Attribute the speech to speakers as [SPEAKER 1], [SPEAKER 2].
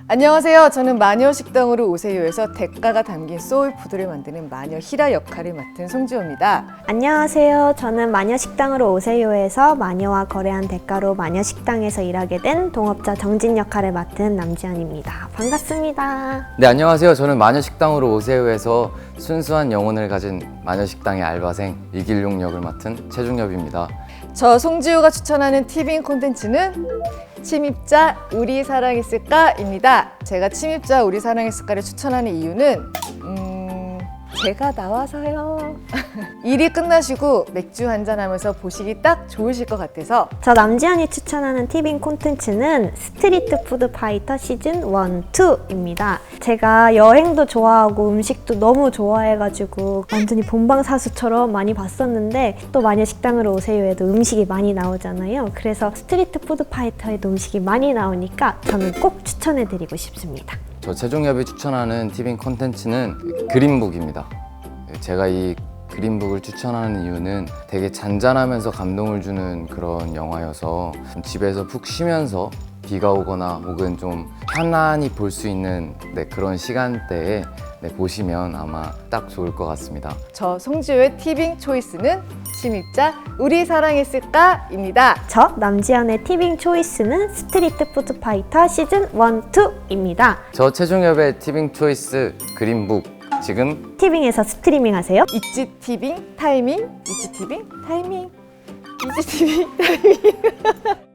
[SPEAKER 1] 안녕하세요. 저는 마녀식당으로 오세요에서 대가가 담긴 소울푸드를 만드는 마녀 히라 역할을 맡은 송지호입니다.
[SPEAKER 2] 안녕하세요. 저는 마녀식당으로 오세요에서 마녀와 거래한 대가로 마녀식당에서 일하게 된 동업자 정진 역할을 맡은 남지연입니다. 반갑습니다.
[SPEAKER 3] 네, 안녕하세요. 저는 마녀식당으로 오세요에서 순수한 영혼을 가진 마녀식당의 알바생 이길용 역을 맡은 최중엽입니다.
[SPEAKER 1] 저 송지호가 추천하는 티빙 콘텐츠는 침입자 우리 사랑했을까입니다. 제가 침입자 우리 사랑했을까를 추천하는 이유는 제가 나와서요. 일이 끝나시고 맥주 한잔 하면서 보시기 딱 좋으실 것 같아서.
[SPEAKER 2] 저 남지연이 추천하는 티빙 콘텐츠는 스트리트 푸드 파이터 시즌 1, 2입니다. 제가 여행도 좋아하고 음식도 너무 좋아해가지고 완전히 본방사수처럼 많이 봤었는데 또 마녀식당으로 오세요에도 음식이 많이 나오잖아요. 그래서 스트리트 푸드 파이터에도 음식이 많이 나오니까 저는 꼭 추천해드리고 싶습니다.
[SPEAKER 3] 저 최중엽이 추천하는 티빙 콘텐츠는 그린북입니다. 제가 이 그린북을 추천하는 이유는 되게 잔잔하면서 감동을 주는 그런 영화여서 좀 집에서 푹 쉬면서 비가 오거나 혹은 좀 편안히 볼 수 있는 그런 시간대에 보시면 아마 딱 좋을 것 같습니다.
[SPEAKER 1] 저 송지호의 티빙 초이스는 침입자 우리 사랑했을까입니다.
[SPEAKER 2] 저 남지연의 티빙 초이스는 스트리트 푸드 파이터 시즌 1, 2입니다.
[SPEAKER 3] 저 최중엽의 티빙 초이스 그린북 지금
[SPEAKER 2] 티빙에서 스트리밍 하세요.
[SPEAKER 1] 있지 티빙 타이밍, 있지 티빙 타이밍, 있지 티빙 타이밍.